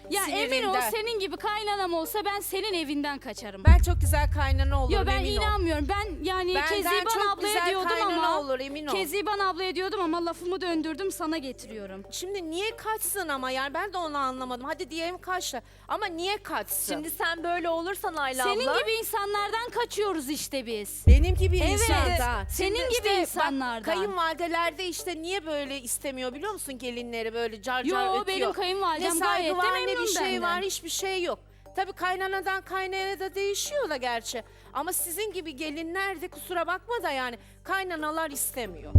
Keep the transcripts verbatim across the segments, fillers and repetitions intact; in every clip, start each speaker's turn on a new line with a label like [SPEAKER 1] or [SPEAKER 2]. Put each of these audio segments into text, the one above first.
[SPEAKER 1] Ya emin ol
[SPEAKER 2] sinirinden.
[SPEAKER 1] senin gibi kaynanam olsa ben senin evinden kaçarım.
[SPEAKER 2] Ben çok güzel kaynana olurum,
[SPEAKER 1] Yo ben
[SPEAKER 2] emin ol.
[SPEAKER 1] inanmıyorum. Ben yani
[SPEAKER 2] Benden
[SPEAKER 1] Keziban
[SPEAKER 2] çok
[SPEAKER 1] ablaya
[SPEAKER 2] güzel
[SPEAKER 1] diyordum
[SPEAKER 2] kaynana
[SPEAKER 1] ama
[SPEAKER 2] olur, emin ol.
[SPEAKER 1] Keziban ablaya diyordum ama lafımı döndürdüm sana getiriyorum.
[SPEAKER 2] Şimdi niye kaçsın ama yani ben de onu anlamadım. Hadi diyelim kaçtı ama niye kaçsın?
[SPEAKER 3] Şimdi sen böyle olursan Ayla
[SPEAKER 1] Senin
[SPEAKER 3] abla.
[SPEAKER 1] gibi insanlardan kaçıyoruz işte biz.
[SPEAKER 2] Benim gibi
[SPEAKER 1] Evet,
[SPEAKER 2] insandan.
[SPEAKER 1] senin
[SPEAKER 2] Şimdi
[SPEAKER 1] gibi
[SPEAKER 2] işte bak,
[SPEAKER 1] insanlardan.
[SPEAKER 2] kayınvalidelerde işte niye böyle istemiyor biliyor musun gelinleri böyle car
[SPEAKER 1] Yo,
[SPEAKER 2] car ötüyor.
[SPEAKER 1] benim kayınvalidem
[SPEAKER 2] ne saygı
[SPEAKER 1] gayet de
[SPEAKER 2] var ne
[SPEAKER 1] memnun
[SPEAKER 2] bir şey
[SPEAKER 1] benden.
[SPEAKER 2] var hiçbir şey yok. Tabii kaynanadan kaynanaya da değişiyor da gerçi. Ama sizin gibi gelinler de kusura bakma da yani kaynanalar istemiyor.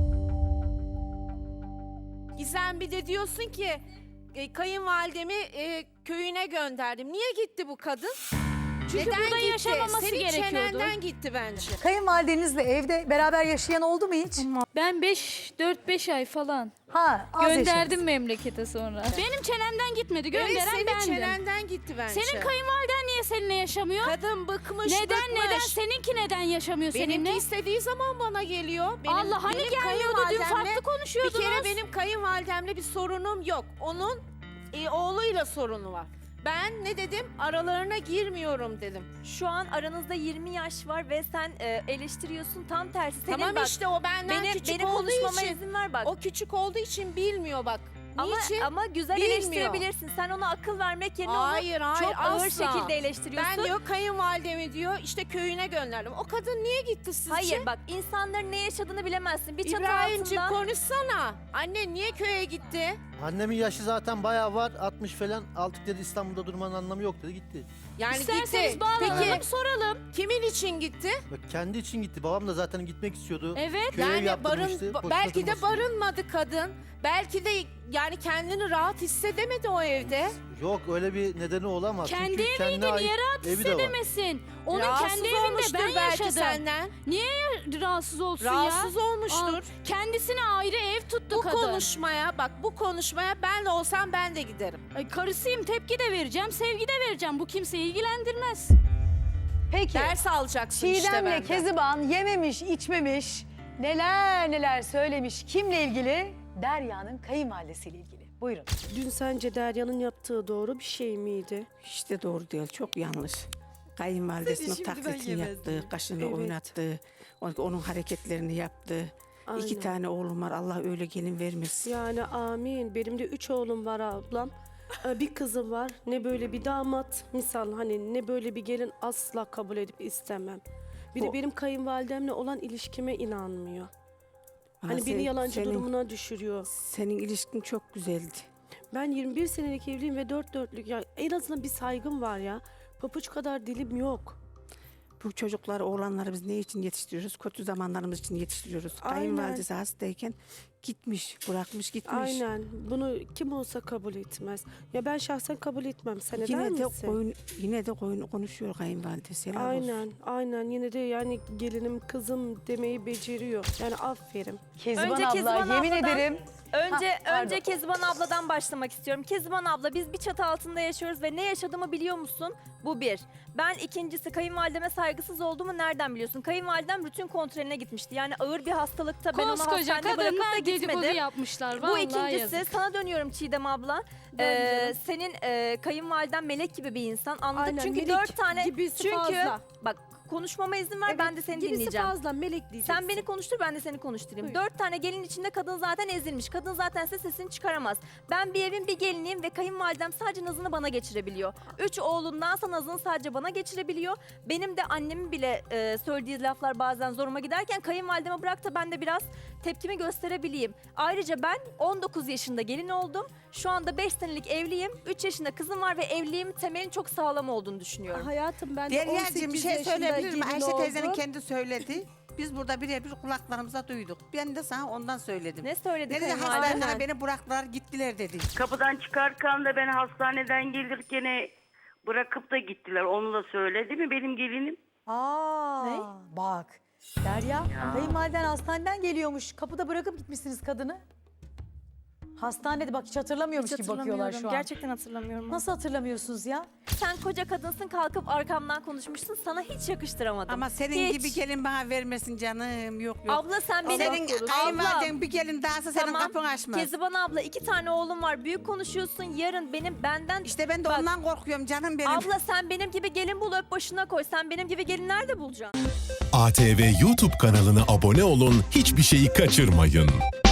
[SPEAKER 2] Gizem bir de diyorsun ki e, kayınvalidemi e, köyüne gönderdim. Niye gitti bu kadın?
[SPEAKER 1] Çünkü
[SPEAKER 2] Neden
[SPEAKER 1] burada
[SPEAKER 2] gitti?
[SPEAKER 1] yaşamaması
[SPEAKER 2] Senin
[SPEAKER 1] gerekiyordu.
[SPEAKER 2] çenenden gitti bence.
[SPEAKER 4] Kayınvalidenizle evde beraber yaşayan oldu mu hiç?
[SPEAKER 5] Ben beş dört beş ay falan
[SPEAKER 4] Ha, az
[SPEAKER 5] gönderdim
[SPEAKER 4] yaşadınız.
[SPEAKER 5] memlekete sonra.
[SPEAKER 1] Benim çenemden gitmedi.
[SPEAKER 2] Evet,
[SPEAKER 1] Gönderen
[SPEAKER 2] senin
[SPEAKER 1] bendim.
[SPEAKER 2] çenenden gitti bence.
[SPEAKER 1] Senin kayınvaliden niye seninle yaşamıyor?
[SPEAKER 2] Kadın bıkmış
[SPEAKER 1] Neden
[SPEAKER 2] bıkmış.
[SPEAKER 1] neden? Seninki neden yaşamıyor
[SPEAKER 2] Benimki
[SPEAKER 1] seninle?
[SPEAKER 2] istediği zaman bana geliyor. Benim,
[SPEAKER 1] Allah hani
[SPEAKER 2] benim
[SPEAKER 1] gelmiyordu dün
[SPEAKER 2] kayınvalidemle-
[SPEAKER 1] farklı konuşuyordunuz.
[SPEAKER 2] Bir kere benim kayınvalidemle bir sorunum yok. Onun e, oğluyla sorunu var. Ben ne dedim? Aralarına girmiyorum dedim.
[SPEAKER 3] Şu an aranızda yirmi yaş var ve sen e, eleştiriyorsun tam tersi. Senin
[SPEAKER 2] Tamam
[SPEAKER 3] bak,
[SPEAKER 2] işte o benden
[SPEAKER 3] benim,
[SPEAKER 2] küçük
[SPEAKER 3] benim
[SPEAKER 2] olduğu
[SPEAKER 3] konuşmama
[SPEAKER 2] için.
[SPEAKER 3] izin ver bak.
[SPEAKER 2] O küçük olduğu için bilmiyor bak.
[SPEAKER 3] ama,
[SPEAKER 2] Niçin?
[SPEAKER 3] ama güzel
[SPEAKER 2] Bilmiyor.
[SPEAKER 3] eleştirebilirsin. Sen ona akıl vermek yerine
[SPEAKER 2] Hayır,
[SPEAKER 3] onu
[SPEAKER 2] hayır,
[SPEAKER 3] çok ağır
[SPEAKER 2] asla.
[SPEAKER 3] şekilde eleştiriyorsun.
[SPEAKER 2] Ben diyor kayınvalidemi diyor işte köyüne gönderdim. O kadın niye gitti sizce?
[SPEAKER 3] Hayır bak insanların ne yaşadığını bilemezsin. Bir çatı
[SPEAKER 2] İbrahimciğim
[SPEAKER 3] altında.
[SPEAKER 2] konuşsana. Anne niye köye gitti?
[SPEAKER 6] Annemin yaşı zaten bayağı var. altmış falan. Altık dedi İstanbul'da durmanın anlamı yok dedi gitti.
[SPEAKER 2] Yani
[SPEAKER 1] İsterseniz
[SPEAKER 2] gitti.
[SPEAKER 1] bağlanalım
[SPEAKER 2] Peki
[SPEAKER 1] soralım.
[SPEAKER 2] kimin için gitti?
[SPEAKER 6] Bak kendi için gitti. Babam da zaten gitmek istiyordu.
[SPEAKER 1] Evet.
[SPEAKER 6] Köye ev
[SPEAKER 2] Yani
[SPEAKER 6] yaptırmıştı.
[SPEAKER 2] barın,
[SPEAKER 6] boşuna
[SPEAKER 2] belki de
[SPEAKER 6] durmasın diye.
[SPEAKER 2] barınmadı kadın. Belki de yani kendini rahat hissedemedi o evde.
[SPEAKER 6] Yok öyle bir nedeni olamaz.
[SPEAKER 1] Kendi
[SPEAKER 6] Çünkü
[SPEAKER 1] eviydi
[SPEAKER 6] kendine ait
[SPEAKER 1] niye rahat
[SPEAKER 6] evi de var.
[SPEAKER 1] hissedemesin? Onun
[SPEAKER 2] Rahatsız
[SPEAKER 1] kendi evinde
[SPEAKER 2] olmuştur
[SPEAKER 1] ben
[SPEAKER 2] belki
[SPEAKER 1] yaşadım.
[SPEAKER 2] senden.
[SPEAKER 1] Niye rahatsız olsun
[SPEAKER 2] Rahatsız
[SPEAKER 1] ya?
[SPEAKER 2] olmuştur.
[SPEAKER 1] Aa, kendisine ayrı ev tuttu
[SPEAKER 2] Bu
[SPEAKER 1] kadın.
[SPEAKER 2] konuşmaya bak bu konuşmaya ben de olsam ben de giderim.
[SPEAKER 1] Ay, karısıyım tepki de vereceğim, sevgi de vereceğim. Bu kimseyi ilgilendirmez.
[SPEAKER 4] Peki,
[SPEAKER 2] Ders alacaksın işte
[SPEAKER 4] Çiğdem'le
[SPEAKER 2] benden.
[SPEAKER 4] Keziban yememiş, içmemiş, neler neler söylemiş. Kimle ilgili? Derya'nın kayınvalidesiyle ilgili. Buyurun.
[SPEAKER 7] Dün sence Derya'nın yaptığı doğru bir şey miydi?
[SPEAKER 8] Hiç de doğru değil, çok yanlış. Kayınvalidesinin taklitini yaptı, kaşını
[SPEAKER 7] Evet.
[SPEAKER 8] oynattı, on- onun hareketlerini yaptı.
[SPEAKER 7] Aynen.
[SPEAKER 8] İki tane oğlum var, Allah öyle gelin vermesin.
[SPEAKER 7] Yani amin. Benim de üç oğlum var ablam. Ee, Bir kızım var. Ne böyle bir damat misal hani ne böyle bir gelin asla kabul edip istemem. Bir de
[SPEAKER 8] Bu-
[SPEAKER 7] benim kayınvalidemle olan ilişkime inanmıyor.
[SPEAKER 8] Ama
[SPEAKER 7] Hani beni
[SPEAKER 8] sen-
[SPEAKER 7] yalancı
[SPEAKER 8] senin,
[SPEAKER 7] durumuna düşürüyor.
[SPEAKER 8] Senin ilişkin çok güzeldi.
[SPEAKER 7] Ben yirmi bir senelik evliyim ve dört dörtlük. Ya en azından bir saygım var ya. Papuç kadar dilim yok.
[SPEAKER 8] Bu çocukları, oğlanları biz ne için yetiştiriyoruz? Kötü zamanlarımız için yetiştiriyoruz.
[SPEAKER 7] Aynen.
[SPEAKER 8] Kayınvalidesi hastayken gitmiş, bırakmış gitmiş.
[SPEAKER 7] Aynen. Bunu kim olsa kabul etmez. Ya ben şahsen kabul etmem. Sen eder
[SPEAKER 8] Yine de
[SPEAKER 7] misin?
[SPEAKER 8] koyun, yine de koyun konuşuyor kayınvalidesi. helal olsun.
[SPEAKER 7] Aynen, aynen. Yine de yani gelinim, kızım demeyi beceriyor. Yani aferin.
[SPEAKER 4] Keziban
[SPEAKER 3] Önce
[SPEAKER 4] abla,
[SPEAKER 3] Keziban
[SPEAKER 4] yemin
[SPEAKER 3] abladan-
[SPEAKER 4] ederim.
[SPEAKER 3] Önce
[SPEAKER 4] Ha, pardon.
[SPEAKER 3] önce Keziban abladan başlamak istiyorum. Keziban abla biz bir çatı altında yaşıyoruz ve ne yaşadığımı biliyor musun? Bu bir. Ben ikincisi kayınvalideme saygısız olduğumu nereden biliyorsun? Kayınvalidem rutin kontrolüne gitmişti. Yani ağır bir hastalıkta ben onu
[SPEAKER 1] Koskoca
[SPEAKER 3] hastanede bırakıp da
[SPEAKER 1] kadınlar dedikodu
[SPEAKER 3] gitmedim.
[SPEAKER 1] yapmışlar.
[SPEAKER 3] Bu
[SPEAKER 1] Vallahi
[SPEAKER 3] ikincisi
[SPEAKER 1] yazık.
[SPEAKER 3] sana dönüyorum Çiğdem abla.
[SPEAKER 7] Dön
[SPEAKER 3] Ee,
[SPEAKER 7] canım.
[SPEAKER 3] senin e, kayınvaliden melek gibi bir insan. Anladık
[SPEAKER 7] Aynen,
[SPEAKER 3] çünkü
[SPEAKER 7] melek
[SPEAKER 3] dört tane
[SPEAKER 7] gibisi
[SPEAKER 3] çünkü
[SPEAKER 7] fazla.
[SPEAKER 3] bak konuşmama izin ver ben de seni
[SPEAKER 7] gibisi
[SPEAKER 3] dinleyeceğim.
[SPEAKER 7] fazla, melek diyeceksin.
[SPEAKER 3] Sen beni konuştur ben de seni konuşturayım.
[SPEAKER 7] Buyur.
[SPEAKER 3] Dört tane gelin içinde kadın zaten ezilmiş. Kadın zaten size sesini çıkaramaz. Ben bir evin bir geliniyim ve kayınvalidem sadece nazını bana geçirebiliyor. Üç oğlundansa nazını sadece bana geçirebiliyor. Benim de annemin bile e, söylediği laflar bazen zoruma giderken kayınvalideme bırak da ben de biraz tepkimi gösterebileyim. Ayrıca ben on dokuz yaşında gelin oldum. Şu anda beş senelik evliyim. üç yaşında kızım var ve evliliğim temelin çok sağlam olduğunu düşünüyorum.
[SPEAKER 7] Hayatım ben de
[SPEAKER 9] Derya'cığım bir şey
[SPEAKER 7] yaşında
[SPEAKER 9] söyleyebilir miyim?
[SPEAKER 7] gelin
[SPEAKER 9] Ayşe teyzenin
[SPEAKER 7] oldum.
[SPEAKER 9] kendi söyledi. Biz burada birebir kulaklarımıza duyduk. Ben de sana ondan söyledim.
[SPEAKER 3] Ne söyledi
[SPEAKER 9] Ne dedi?
[SPEAKER 3] kayınvalidem?
[SPEAKER 9] Hastaneye beni bıraktılar gittiler dedi.
[SPEAKER 10] Kapıdan çıkarken de beni hastaneden gelirken bırakıp da gittiler. Onu da söyledi mi benim gelinim?
[SPEAKER 4] Aa,
[SPEAKER 3] Ne?
[SPEAKER 4] bak. Derya, kayınvaliden hastaneden geliyormuş. Kapıda bırakıp gitmişsiniz kadını. Hastanede bak hiç hatırlamıyormuş
[SPEAKER 3] Hiç
[SPEAKER 4] gibi bakıyorlar
[SPEAKER 3] hatırlamıyorum.
[SPEAKER 4] şu an.
[SPEAKER 3] Gerçekten hatırlamıyorum.
[SPEAKER 4] Nasıl hatırlamıyorsunuz ya?
[SPEAKER 3] Sen koca kadınsın, kalkıp arkamdan konuşmuşsun. Sana hiç yakıştıramadım.
[SPEAKER 9] Ama senin
[SPEAKER 3] Hiç.
[SPEAKER 9] gibi gelin bana vermesin canım. Yok yok.
[SPEAKER 3] Abla sen benim...
[SPEAKER 9] senin kayınvaliden bir gelin dahası senin
[SPEAKER 3] Tamam.
[SPEAKER 9] kapını açmaz.
[SPEAKER 3] Keziban abla iki tane oğlum var. Büyük konuşuyorsun. Yarın benim benden...
[SPEAKER 9] İşte ben de
[SPEAKER 3] Bak,
[SPEAKER 9] ondan korkuyorum canım benim.
[SPEAKER 3] Abla sen benim gibi gelin bul, öp başına koy. Sen benim gibi gelin nerede bulacaksın?
[SPEAKER 11] A T V YouTube kanalına abone olun, hiçbir şeyi kaçırmayın.